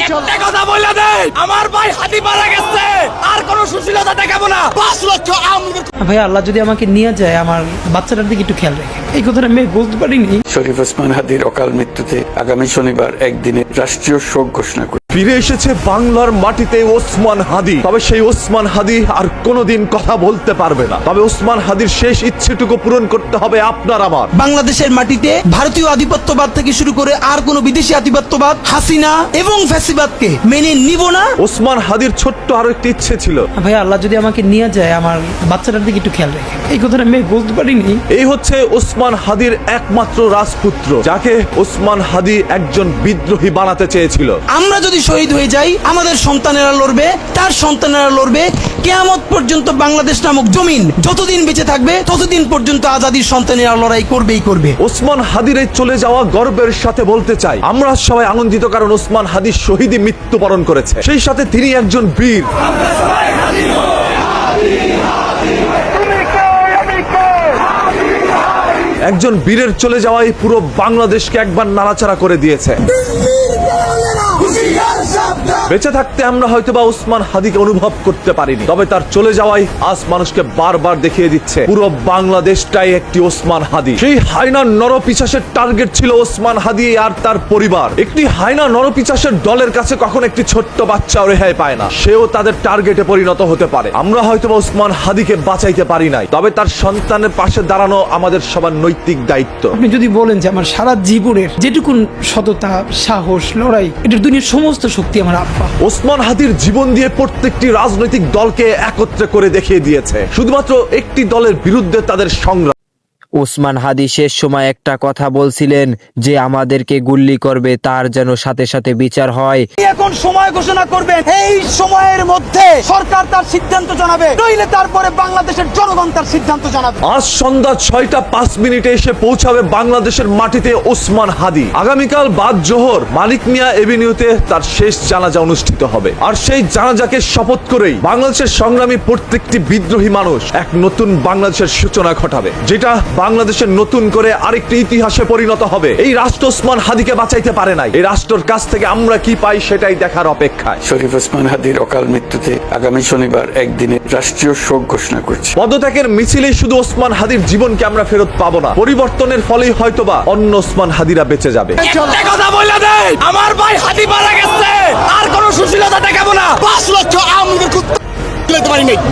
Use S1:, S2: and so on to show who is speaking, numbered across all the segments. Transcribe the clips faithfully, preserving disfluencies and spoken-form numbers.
S1: একটা কথা বলে দেই, আমার ভাই হাতি মারা গেছে, আর কোনো সুশীলতা দেখাবো না। পাঁচ লক্ষ আমদের
S2: ভাই আল্লাহ যদি আমাকে নিয়ে যায়, আমার বাচ্চাটার দিকে একটু খেয়াল রাখেন। এই কথাটা আমি বলতে পারিনি।
S3: শরীফ ওসমান হাদির অকাল মৃত্যুতে আগামী শনিবার একদিনে রাষ্ট্রীয় শোক ঘোষণা করে
S4: ফিরে এসেছে বাংলার মাটিতে ওসমান হাদি। তবে সেই ওসমান হাদি আর কোনোদিন কথা বলতে পারবে না। তবে ওসমান হাদির শেষ ইচ্ছেটুকু পূরণ করতে হবে আপনার আমার।
S5: বাংলাদেশের মাটিতে ভারতীয় আধিপত্যবাদ থেকে শুরু করে আর কোন বিদেশি আধিপত্যবাদ, হাসিনা এবং ফ্যাসিবাদকে মেনে নিব না।
S4: ওসমান হাদির ছোট্ট আরো একটি ইচ্ছে ছিল।
S2: ভাই আল্লাহ যদি আমাকে নিয়ে যায়, আমার বাচ্চাটার দিকে একটু খেয়াল রাখেন। এই কথাটা আমি বলতে পারিনি।
S4: এই হচ্ছে ওসমান হাদির একমাত্র রাজপুত্র, যাকে ওসমান হাদি একজন বিদ্রোহী বানাতে চেয়েছিল।
S5: আমরা যদি শহীদ হয়ে যাই, আমাদের সন্তানেরা লড়বে, তার সন্তানেরা লড়বে। কিয়ামত পর্যন্ত বাংলাদেশ নামক জমিন যতদিন বেঁচে থাকবে, ততদিন পর্যন্ত আজাদির সন্তানেরা লড়াই করবেই করবে।
S4: ওসমান হাদির এই চলে যাওয়া গর্বের সাথে বলতে চাই, আমরা সবাই আনন্দিত, কারণ ওসমান হাদি শহীদে মৃত্যুবরণ করেছে। সেই সাথে তিনি একজন বীর। একজন বীরের চলে যাওয়াই পুরো বাংলাদেশকে একবার নাড়াচাড়া করে দিয়েছে। বেঁচে থাকতে আমরা হয়তোবা ওসমান হাদিকে অনুভব করতে পারিনি, তবে তার চলে যাওয়াই আজ মানুষকে বারবার দেখিয়ে দিচ্ছে পুরো বাংলাদেশটাই একটি ওসমান হাদি। সেই হায়না নরপিশাচের টার্গেট ছিল ওসমান হাদি আর তার পরিবার। একটি হায়না নরপিশাচের দলের কাছে কখন একটি ছোট্ট বাচ্চাও রেহাই পায় না, সেও তাদের টার্গেটে পরিণত হতে পারে। আমরা হয়তোবা ওসমান হাদিকে বাঁচাইতে পারি নাই, তবে তার সন্তানের পাশে দাঁড়ানো আমাদের সবার নৈতিক দায়িত্ব।
S2: আপনি যদি বলেন যে আমার সারা জীবনের যেটুকুন সততা, সাহস, লড়াই, এটার দুনিয়ার সমস্ত শক্তি আমার আব্বা।
S4: ওসমান হাদির জীবন দিয়ে প্রত্যেকটি রাজনৈতিক দলকে একত্রে করে দেখিয়ে দিয়েছে। শুধুমাত্র একটি দলের বিরুদ্ধে তাদের সংগ্রাম।
S6: ওসমান হাদি শেষ সময় একটা কথা বলছিলেন যে আমাদেরকে গুল্লি করবে, তার যেন সাথে সাথে বিচার হয়।
S5: এখন সময় ঘোষণা করবেন, এই সময়ের মধ্যে সরকার তার সিদ্ধান্ত জানাবে, নইলে তারপরে বাংলাদেশের জনগণ তার সিদ্ধান্ত জানাবে।
S4: আজ সন্ধ্যা ছয়টা পাঁচ মিনিটে এসে পৌঁছাবে বাংলাদেশের মাটিতে ওসমান হাদি। আগামীকাল বাদ জোহর মানিক মিয়া এভিনিউতে তার শেষ জানাজা অনুষ্ঠিত হবে। আর সেই জানাজাকে শপথ করেই বাংলাদেশের সংগ্রামী প্রত্যেকটি বিদ্রোহী মানুষ এক নতুন বাংলাদেশের সূচনা ঘটাবে, যেটা বাংলাদেশের নতুন করে আরেকটি ইতিহাসে পরিণত হবে। এই রাষ্ট্র ওসমান হাদিকে বাঁচাইতে পারে নাই, এই রাষ্ট্রের কাছ থেকে আমরা কি পাই সেটাই দেখার অপেক্ষায়।
S3: শরীফ ওসমান হাদির অকাল মৃত্যুতে আগামী শনিবার একদিনে রাষ্ট্রীয় শোক ঘোষণা করছে।
S4: পদত্যাগের মিছিলেই শুধু ওসমান হাদির জীবনকে আমরা ফেরত পাবো না, পরিবর্তনের ফলেই হয়তোবা অন্য ওসমান হাদিরা বেঁচে যাবে।
S1: একটা কথা বলে দেই, আমার ভাই হাতি মারা গেছে, আর কোনো সুশীলতা দেখাবো না। পাঁচ লক্ষ আমদের তুলতে পারি নাই,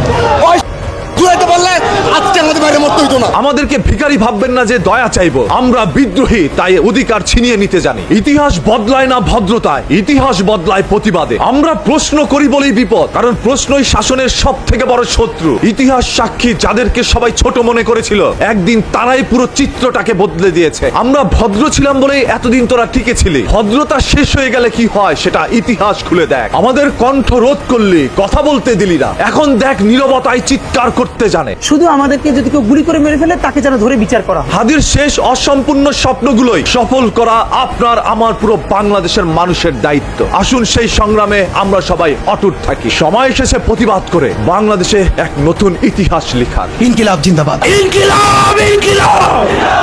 S1: তুলাইতে পারলে আজকে আমাদের বাইরে মরতে হইতো না।
S4: আমাদেরকে ভিখারি ভাববেন না যে দয়া চাইবো, আমরা বিদ্রোহী, তাই অধিকার ছিনিয়ে নিতে জানি। ইতিহাস বদলায় না ভদ্রতায়, ইতিহাস বদলায় প্রতিবাদে। আমরা প্রশ্ন করি বলেই বিপদ, কারণ প্রশ্নই শাসনের সব থেকে বড় শত্রু। ইতিহাস সাক্ষী, যাদেরকে সবাই ছোট মনে করেছিল, একদিন তারাই পুরো চিত্রটাকে বদলে দিয়েছে। আমরা ভদ্র ছিলাম বলেই এতদিন তোরা টিকে ছিলি, ভদ্রতা শেষ হয়ে গেলে কি হয় সেটা ইতিহাস খুলে দেখ। আমাদের কণ্ঠ রোধ করলি, কথা বলতে দিলি না, এখন দেখ নীরবতায় চিৎকার করতে জানে।
S2: শুধু আমাদেরকে যদি কেউ গুলি করে মেরে ফেলে, তাকে যেন ধরে বিচার করা।
S4: হাদির শেষ অসম্পূর্ণ স্বপ্নগুলোই সফল করা আপনার আমার পুরো বাংলাদেশের মানুষের দায়িত্ব। আসুন সেই সংগ্রামে আমরা সবাই অটুট থাকি। সময় এসেছে প্রতিবাদ করে বাংলাদেশে এক নতুন ইতিহাস লেখার।
S5: ইনকিলাব জিন্দাবাদ,
S1: ইনকিলাব ইনকিলাব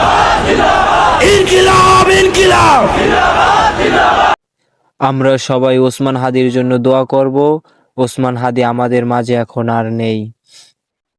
S1: ইনকিলাব ইনকিলাব।
S6: আমরা সবাই ওসমান হাদির জন্য দোয়া করব। ওসমান হাদি আমাদের মাঝে এখন আর নেই।